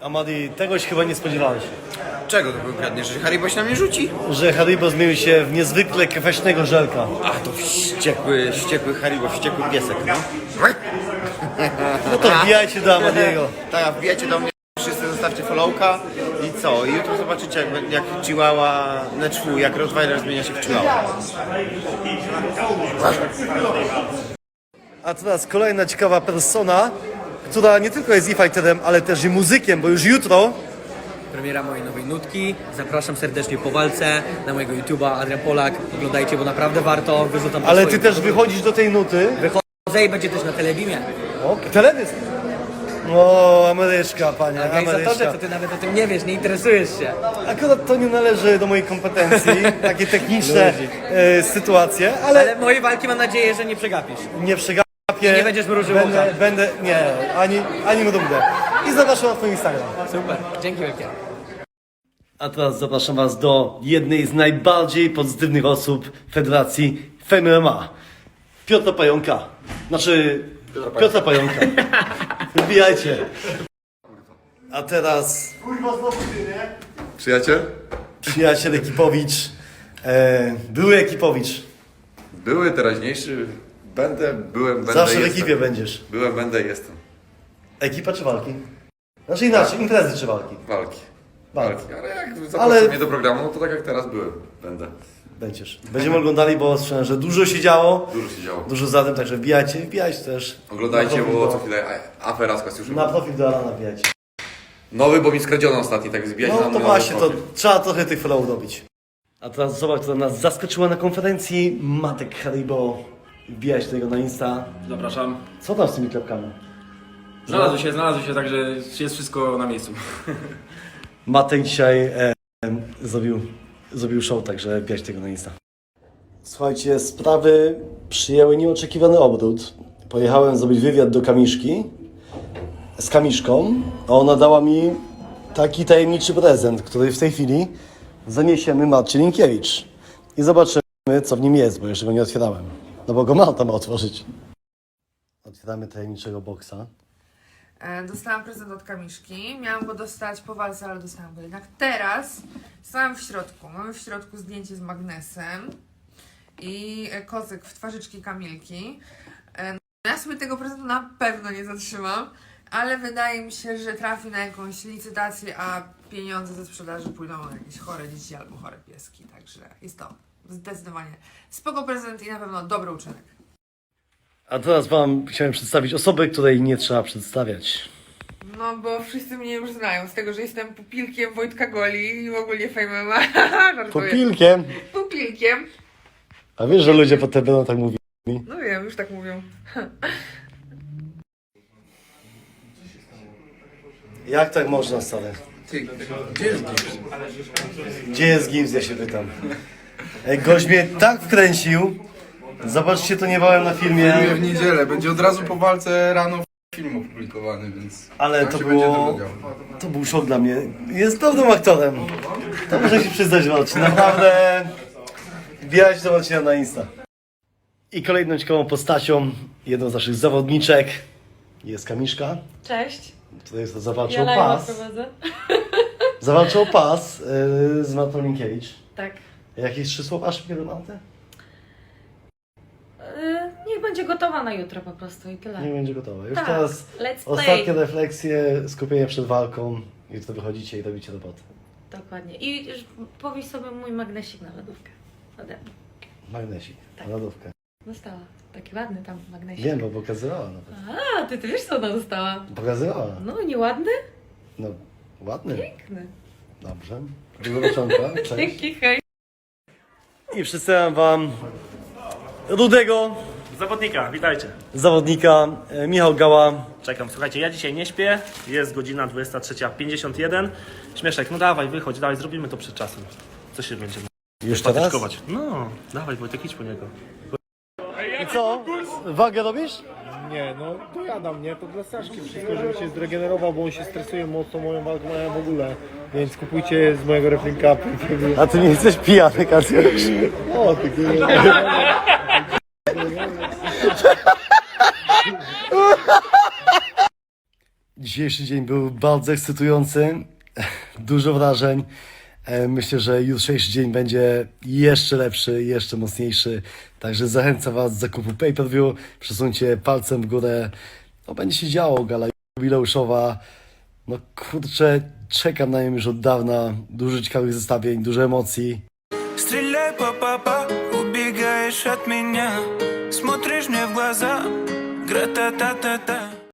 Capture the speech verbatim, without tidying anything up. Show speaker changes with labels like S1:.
S1: Amadi, tegoś chyba nie spodziewałeś.
S2: Czego to konkretnie? Że Haribo się na mnie rzuci?
S1: Że Haribo zmienił się w niezwykle kwaśnego żelka.
S2: Ach, to wściekły, wściekły Haribo, wściekły piesek, no.
S1: No to wbijajcie do Amadiego.
S2: Tak, wbijajcie do mnie, wszyscy zostawcie followka i co? I jutro zobaczycie jak, jak Chihuahua, Neczwu, jak Rottweiler zmienia się w Chihuahua.
S1: A teraz kolejna ciekawa persona, która nie tylko jest e-fighterem, ale też i muzykiem, bo już jutro
S3: Premiera mojej nowej nutki. Zapraszam serdecznie po walce na mojego YouTube'a Adrian Polak. Oglądajcie, bo naprawdę warto. Wyrzucam po
S1: ale ty
S3: swoim-
S1: też wychodzisz do tej nuty.
S3: Wychodzę i będzie też na Telebimie.
S1: O, teledysk. O, Ameryczka, panie,
S3: Organizatorze,
S1: Ameryczka.
S3: to ty nawet o tym nie wiesz, nie interesujesz się.
S1: Akurat to nie należy do mojej kompetencji, takie techniczne e, sytuacje, ale,
S3: Ale moje walki mam nadzieję, że nie przegapisz.
S1: nie przegapię.
S3: Nie będziesz mrużył
S1: będę,
S3: oka.
S1: będę, nie, ani, ani mrugnę. I zapraszam na twój Instagram.
S3: Super, dzięki wielkie.
S1: A teraz zapraszam was do jednej z najbardziej pozytywnych osób Federacji Fame M M A. Piotra Pająka. Znaczy, Piotra Pająka. Wbijajcie. A teraz
S4: Przyjaciel?
S1: przyjaciel Ekipowicz, e, były Ekipowicz.
S4: Były, teraźniejszy. Będę, byłem, będę,
S1: Zawsze w
S4: jestem.
S1: ekipie będziesz.
S4: Byłem, będę, jestem.
S1: Ekipa czy walki? Znaczy inaczej, imprezy czy walki?
S4: Walki.
S1: Walki.
S4: Walki. Ale jak zaproszę
S1: Ale-
S4: mnie do programu, no to tak jak teraz byłem. Będę.
S1: Będziesz. Będziemy oglądali, bo słyszałem, że dużo się działo.
S4: Dużo się działo.
S1: Dużo za tym, także wbijajcie, wbijajcie też.
S4: Oglądajcie,
S1: na profil
S4: bo
S1: do-
S4: co chwilę a- afera z Kostiuszem.
S1: Na profil do Alana wbijajcie.
S4: Nowy, bo mi skradziono ostatni, tak zbijajcie
S1: No
S4: na
S1: to
S4: mój
S1: właśnie,
S4: nowy
S1: to
S4: profil.
S1: trzeba trochę tych follow dobić. A teraz osoba, która nas zaskoczyła na konferencji, Matek Haribo. Wbijać tego na Insta.
S5: Zapraszam.
S1: Co tam z tymi klepkami?
S5: Znalazły się, znalazły się, także jest wszystko na miejscu.
S1: Matek dzisiaj e, zrobił, zrobił show, także wbijać tego na Insta. Słuchajcie, sprawy przyjęły nieoczekiwany obrót. Pojechałem zrobić wywiad do Kamiszki z Kamiszką, a ona dała mi taki tajemniczy prezent, który w tej chwili zaniesiemy Marcie Linkiewicz. I zobaczymy, co w nim jest, bo jeszcze go nie otwierałem. No bo go Marta ma otworzyć. Otwieramy tajemniczego boksa.
S6: E, Dostałam prezent od Kamiszki. Miałam go dostać po walce, ale dostałam go jednak teraz. Stałam w środku. Mamy w środku zdjęcie z magnesem i e, kocyk w twarzyczki Kamilki. E, no ja sobie tego prezentu na pewno nie zatrzymam, ale wydaje mi się, że trafi na jakąś licytację, a pieniądze ze sprzedaży pójdą na jakieś chore dzieci albo chore pieski. Także jest to zdecydowanie spoko prezent i na pewno dobry uczynek.
S1: A teraz wam chciałem przedstawić osobę, której nie trzeba przedstawiać.
S6: No bo wszyscy mnie już znają z tego, że jestem pupilkiem Wojtka Goli i w ogóle Fame M M A. Żartuję.
S1: Pupilkiem.
S6: Pupilkiem.
S1: A wiesz, że ludzie potem będą tak mówili?
S6: No wiem, już tak mówią.
S1: Jak tak można, stary?
S4: Gdzie jest gips?
S1: Gdzie jest Gibbs, ja się pytam. Ej, gość mnie tak wkręcił. Zobaczcie to niebawem na filmie.
S7: W niedzielę, będzie od razu po walce rano film opublikowany, więc...
S1: Ale
S7: tak
S1: to
S7: się będzie
S1: było...
S7: dowiedział.
S1: To był szok dla mnie. Jest dobrym aktorem. To muszę się przyznać, Marcin. Naprawdę... Wbijajcie do Marcina na Insta. I kolejną ciekawą postacią, jedną z naszych zawodniczek jest Kamiszka.
S8: Cześć,
S1: Tutaj zawalczył
S8: ja live'a
S1: pas.
S8: prowadzę.
S1: Zawalczył pas yy, z Martą Linkiewicz.
S8: Tak.
S1: Jakieś trzy słowa szybkie do Marty?
S8: Yy, niech będzie gotowa na jutro po prostu i tyle.
S1: Nie będzie gotowe. Już
S8: Tak,
S1: teraz
S8: let's
S1: ostatnie
S8: play.
S1: refleksje, skupienie przed walką i wtedy wychodzicie i robicie robotę.
S8: Dokładnie. I już powieś sobie mój magnesik na lodówkę. Ode mnie.
S1: Magnesik,
S8: Tak.
S1: na lodówkę.
S8: Dostała. Taki ładny tam magnesik.
S1: Wiem, bo pokazywała nawet.
S8: A, ty, ty wiesz co ona dostała?
S1: Pokazywała.
S8: No, nieładny?
S1: No, ładny.
S8: Piękny.
S1: Dobrze. Dużo roczonka. Cześć.
S8: Dzięki, hej.
S1: I przedstawiam wam rudego
S9: Zawodnika, witajcie.
S1: zawodnika, e, Michał Gała.
S9: Czekam, słuchajcie, ja dzisiaj nie śpię. Jest godzina dwudziesta trzecia pięćdziesiąt jeden. Śmieszek, no dawaj, wychodź, dawaj, zrobimy to przed czasem. Co się będziemy
S1: Już teraz?
S9: patyczkować? No, dawaj Wojtek, idź po niego.
S1: I co? Wagę robisz?
S10: Nie, no dojadam, nie? To dla Staszki wszystko, żeby się zregenerował, bo on się stresuje mocno moją walką, a ja w ogóle. Więc kupujcie z mojego Wrestling Cupu.
S1: A ty nie jesteś pijany, Kacjusz.
S10: O, ty
S1: Dzisiejszy dzień był bardzo ekscytujący, dużo wrażeń. E, Myślę, że jutrzejszy dzień będzie jeszcze lepszy, jeszcze mocniejszy. Także zachęcam Was do zakupu pay-per-view. Przesuńcie palcem w górę. No będzie się działo, gala jubileuszowa. No kurczę, czekam na nią już od dawna. Dużo ciekawych zestawień, dużo emocji.
S11: Стреляй, папа, убегаешь от меня, смотришь мне в глаза, гра-та-та-та-та.